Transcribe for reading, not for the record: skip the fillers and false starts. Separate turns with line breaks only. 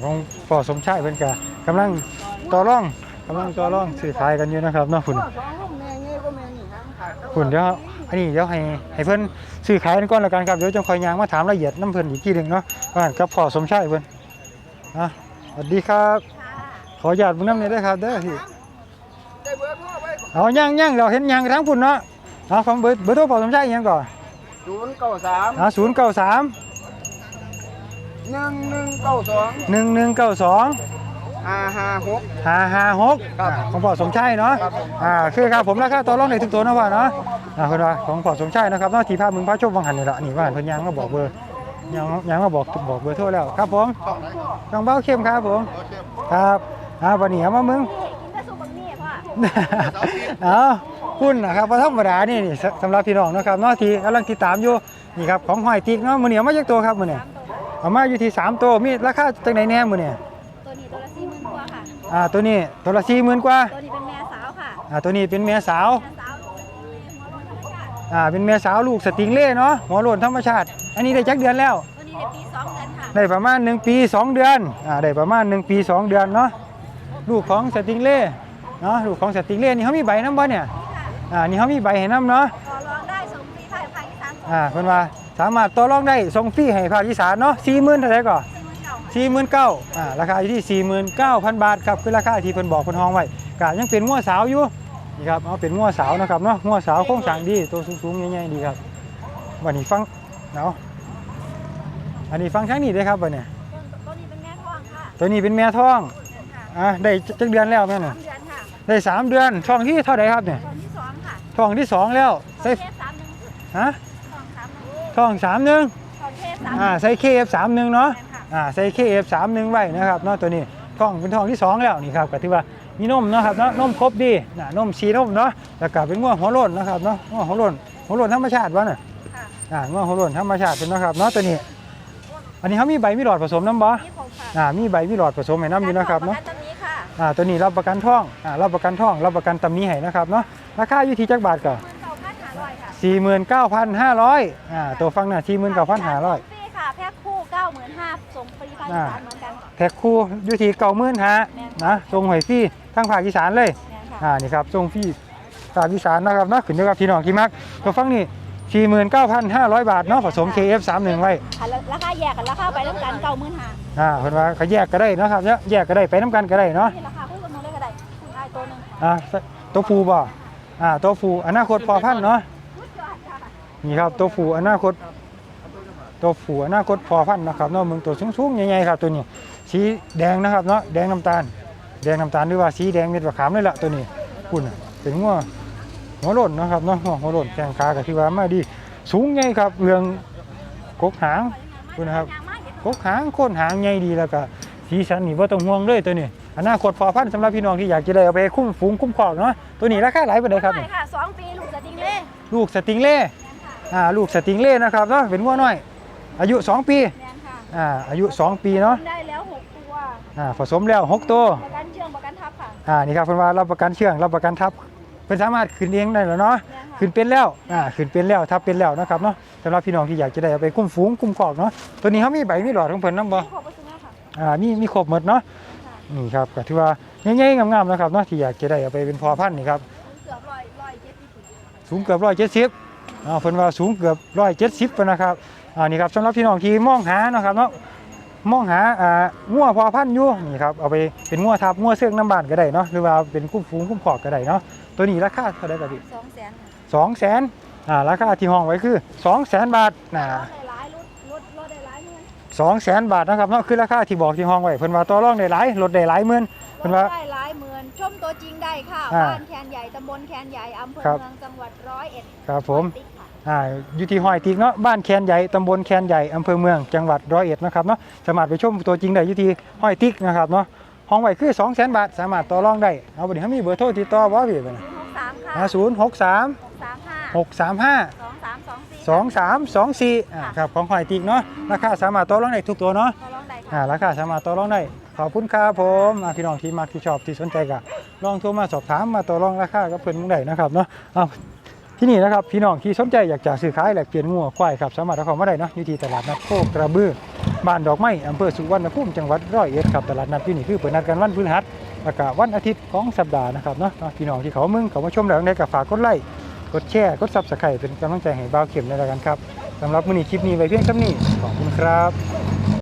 ของพ่อสมชายเพิ่นก็กำลังต่อรองซื้อขายกันอยู่นะครับเนาะคุณเดี๋ยวอันนี้เดี๋ยวให้เพิ่นซื้อขายกันก่อนแล้วกันครับเดี๋ยวจะคอยยางมาถามรายละเอียดน้ำเพิ่นอีกทีนึงเนาะว่ากับพ่อสมชายเพิ่นสวัสดีครับขออนุญาตเบิ่งนำหน่อยเด้อครับเด้อพี่เอาย่างเราเห็นย่างทั้งคุณเนาะเอาของเบอร์โทรพ่อสมชายยังก่อน093 1192 556ของพ่อสมชายเนาะคือครับผมราคาต่อรองได้ทุกตัวนะพ่อเนาะคนว่าของพ่อสมชายนะครับเนาะที่ภาพมึงพระชมวังหันนี่ละนี่ว่าเพิ่นยังมาบอกเบอร์ยังมาบอกเบอร์โทรแล้วครับผมน้องเบ้าเข้มครับผมครับวันนี้เอามามึงคุณนะครับธรรมดานี่สำหรับพี่น้องนะครับเนาะที่กำลังติดตามอยู่นี่ครับของหอยติ๊กเนาะมื้อนี้เอามาจากตัวครับมื้อนี้เอามาอยู่ที่3ตัวมีราคาจังไหนแน่มื้อนี้ตัวนี้ตัวละ40,000 กว่าตัวนี้เป็นแม่สาวค่ะตัวนี้เป็นแม่สาวเป็นแม่สาวลูกสติงเล่เนาะหัวโล้นธรรมชาติอันนี้ได้จักเดือนแล้วตัวนี้ได้ปี 2 เดือนค่ะได้ประมาณ1 ปี 2 เดือนได้ประมาณ1 ปี 2 เดือนเนาะลูกของสติงเล่เนาะลูกของสติงเล่นี่เขามีใบน้ำบ่เนี่ยนี่เขามีใบให้น้ำเนาะต่อรองได้ส่งฟรีภาคอีสานเพิ่นว่าสามารถต่อรองได้ส่งฟรีให้ภาคอีสานเนาะ 40,000 เท่าไหร่ก่อน49,000ราคาอยู่ที่ 49,000 บาทครับคือราคาที่เพิ่นบอกเพิ่นห้องไว้ก็ยังเป็นงัวสาวอยู่นี่ครับเอาเป็นงัวสาวนะครับเนาะงัวสาวโครงสร้างดีตัวสูงๆใหญ่ๆดีครับวันนี้ฟังเนาะอันนี้ฟังทั้งนี้ด้วยครับวันนี้ตัวนี้เป็นแม่ท้องค่ะตัวนี้เป็นแม่ท้องได้จักเดือนแล้วแม่เนี่ยได้3 เดือนท้องที่เท่าไหร่ครับเนี่ยท้องที่ 2แล้วใส่ท้อง31ใส่ KF31 เนาะใส่ KF31 ไว้นะครับเนาะตัวนี้ท้องเป็นท้องที่ 2แล้วนี่ครับก็ถือว่ามีนมนะครับเนาะนมครบดีนมชีนมเนาะแล้วก็เป็นงัวหัวโล้นนะครับเนาะงัวหัวโล้นธรรมชาติวะเนี่ยงัวหัวโล้นธรรมชาติเป็นนะครับเนาะตัวนี้อันนี้เขามีใบมีหลอดผสมน้ำบ่มีใบมีหลอดผสมให้น้ำอยู่นะครับเนาะตัวนี้รับประกันท้องรับประกันตำหนิให้นะครับเนาะราคาอยู่ที่จักบาทก่อน49,500ตัวฟังน่ะ49,500ค่ะแพ็คคู่ 95,000ส่งฟรีภาคอีสานเหมือนกันแพ็คคู่อยู่ที่95,000นะส่งให้ฟรีทั้งภาคอีสานเลยนี่ครับส่งฟรีภาคอีสานนะครับเนาะขึ้นอยู่กับพี่น้องที่มักตัวฟังนี่49,500 บาทเนาะผสม KF31 ไว้
ราคาแยกกันราคาไปน้ำกัน
95,000เพิ่นว่าเขาแยกก็ได้นะครับเนี่ยแยกก็ได้ไปน้ำกันก็ได้เนาะ
ราคาคู่กันเลยก็ได้คุณไอ้ตัวนึง
ตัวฟูบ่ตัวฟูอนาคตพอพันเนาะนี่ครับตัวฟูอนาคตพอพันนะครับเนาะมึงตัวสูงๆใหญ่ๆครับตัวนี้สีแดงนะครับเนาะแดงน้ำตาลหรือว่าสีแดงเม็ดมะขามนี่แหละตัวนี้คุณเป็นงัวหัวโล้นนะครับเนาะหัวโล้นแข้งขาก็ที่ว่ามาดีสูงใหญ่ครับเรื่องกกหางคุณนะครับกกหางโคนหางใหญ่ดีแล้วก็สีสันนี่บ่ต้องห่วงเลยตัวนี้อนาคตพอพันสำหรับพี่น้องที่อยากจะได้เอาไปคุ้มฝูงคุ้มครองเนาะตัวนี้ราคาหลายปานใดครับ
ค่ะ2 ปีลูกสติงเล่
ลูกสติงเล่นะครับเนาะเป็นงัวน้อยอายุ2 ปีอายุ2 ปีเนาะ
ได้แล้ว6 ตัว
ผสมแล้ว6 ตัว
ประกันเชื่องประกันทับค่ะ
นี่ครับเพิ่นว่ารับประกันเชื่องรับประกันทับเพิ่นสามารถขึ้นเองได้แล้วเนาะขึ้นเป็นแล้วขึ้นเป็นแล้วทับเป็นแล้วนะครับเนาะสำหรับพี่น้องที่อยากจะได้เอาไปคุ้มฝูงคุ้มครองเนาะตัวนี้เขามีใบมีหลอดของเพิ่นนำบ่มีครบหมดเนาะนี่ครับก็ถือว่าใหญ่ๆงามๆนะครับเนาะที่อยากจะได้เอาไปเป็นพอพันธุ์นี่ครับสูงเกือบ170เพิ่นว่าสูงเกือบ170นะครับนี่ครับสำหรับพี่น้องที่มองหานะครับเนาะมองหางัวพอพันธุ์อยู่นี่ครับเอาไปเป็นงัวทับงัวเสื่องน้ำบานก็ได้เนาะหรือว่าเป็นคุ้มฝูงคุ้มครองก็ได้เนาะตัวนี้ราคาเท่าไหร่ครับพี่200,000ราคาที่ห้องไว้คือ200,000 บาท200,000 บาทนะครับเนาะคือราคาที่บอกที่ห้องไว้เพิ่นว่าต่อรองได้หลายลดได้หลายหมื่นเพิ่นว่า
ได้หลายหมื่นชมตัวจริงได้ค่ะบ้านแคนใหญ่ตำบลแคนใหญ่อำเภอเมืองจังหวัด101
ครับผมอยู่ที่หอยติ๊กเนาะบ้านแคนใหญ่ตำบลแคนใหญ่อำเภอเมืองจังหวัด101นะครับเนาะสามารถไปชมตัวจริงได้อยู่ที่หอยติ๊กนะครับเนาะห้องไว้คือ200,000 บาทสามารถต่อรองได้เอาบัดนี้เฮามีเบอร์โทรติดต่อบ่พี่บัดนี้063 635 2324ครับของหอยติ๊กเนาะราคาสามารถต่อรองได้ทุกตัวเนาะราคาสามารถต่อรองได้ขอบคุณครับผมพี่น้องที่มักที่ชอบที่สนใจก็ลองโทรมาสอบถามมาต่อรองราคากับเพิ่นได้นะครับเนาะที่นี่นะครับพี่น้องที่สนใจอยากจะซื้อขายแลกเปลี่ยนงัวควายครับสามารถเข้ามาได้เนาะอยู่ที่ตลาดนัดโคกระบือบ้านดอกไม้อำเภอสุวรรณภูมิจังหวัดร้อยเอ็ดครับตลาดนัดที่นี่คือเปิดนัดกันวันพฤหัสแล้วก็วันอาทิตย์ของสัปดาห์นะครับเนาะพี่น้องที่เขามาชมแล้วในก็ฝากกดไลค์กดแชร์กด Subscribe เป็นกำลังใจให้บ่าวเข็มในรายการครับสำหรับมื้อนี้คลิปนี้ไว้เพียงเท่านี้ขอบคุณครับ